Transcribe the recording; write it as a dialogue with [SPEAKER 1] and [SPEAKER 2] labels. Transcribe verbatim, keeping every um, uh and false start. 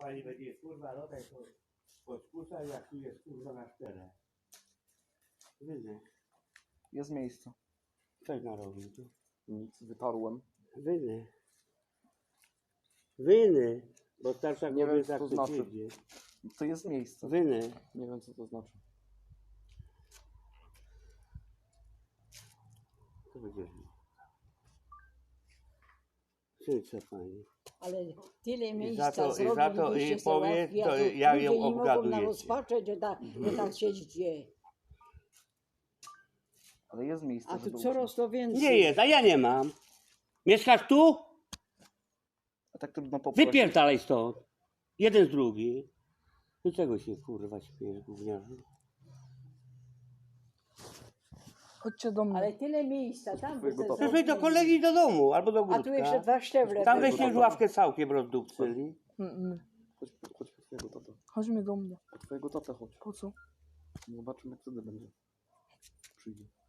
[SPEAKER 1] Pani będzie kurwa rodaj to podkusa, jak tu jest kurwa na czterech. Wyny.
[SPEAKER 2] Jest miejsce.
[SPEAKER 1] Coś narobił tu.
[SPEAKER 2] Nic, wytarłem.
[SPEAKER 1] Wyny. Wyny. Bo starsza
[SPEAKER 2] Nie wiem,
[SPEAKER 1] kobieta
[SPEAKER 2] co to
[SPEAKER 1] chce
[SPEAKER 2] znaczy.
[SPEAKER 1] siedzieć.
[SPEAKER 2] To jest miejsce.
[SPEAKER 1] Wyny.
[SPEAKER 2] Nie wiem, co to znaczy.
[SPEAKER 1] To będzie. Syńce pani.
[SPEAKER 3] Ale tyle
[SPEAKER 1] I
[SPEAKER 3] miejsca
[SPEAKER 1] za to, i
[SPEAKER 3] zrobili,
[SPEAKER 1] za to,
[SPEAKER 3] byście
[SPEAKER 1] i
[SPEAKER 3] se
[SPEAKER 1] powie,
[SPEAKER 3] łatwiej,
[SPEAKER 1] to
[SPEAKER 3] a tu
[SPEAKER 1] jak
[SPEAKER 3] ludzie
[SPEAKER 1] ją
[SPEAKER 3] nie mogą
[SPEAKER 1] obgadujecie.
[SPEAKER 3] rozpaczeć, że tak, że tak siedzieć je.
[SPEAKER 2] Ale jest miejsce,
[SPEAKER 3] A tu
[SPEAKER 2] żeby
[SPEAKER 3] coraz
[SPEAKER 2] usiąść.
[SPEAKER 3] to więcej.
[SPEAKER 1] Nie jest, a ja nie mam. Mieszkasz tu?
[SPEAKER 2] A tak trudno poprosić.
[SPEAKER 1] Wypierdalaj stąd. Jeden z drugi. Do czego się kurwa śmiejesz, gówniarzu?
[SPEAKER 2] Chodźcie do mnie.
[SPEAKER 3] Ale tyle miejsca, tam by
[SPEAKER 2] Twojego
[SPEAKER 3] se
[SPEAKER 2] tata.
[SPEAKER 1] Przecież do
[SPEAKER 3] zrobili.
[SPEAKER 1] kolegi do domu, albo do
[SPEAKER 3] A tu
[SPEAKER 1] ogródka.
[SPEAKER 3] jeszcze dwa szczeble.
[SPEAKER 1] Tam
[SPEAKER 3] były.
[SPEAKER 1] weźcie już ławkę całkiem rozdupcyli.
[SPEAKER 4] Mm-mm.
[SPEAKER 2] Chodź, chodź po twojego tatę.
[SPEAKER 4] Chodźmy do mnie.
[SPEAKER 2] Po twojego tatę chodź.
[SPEAKER 4] Po co?
[SPEAKER 2] Zobaczymy, jak wtedy będzie. Przyjdzie.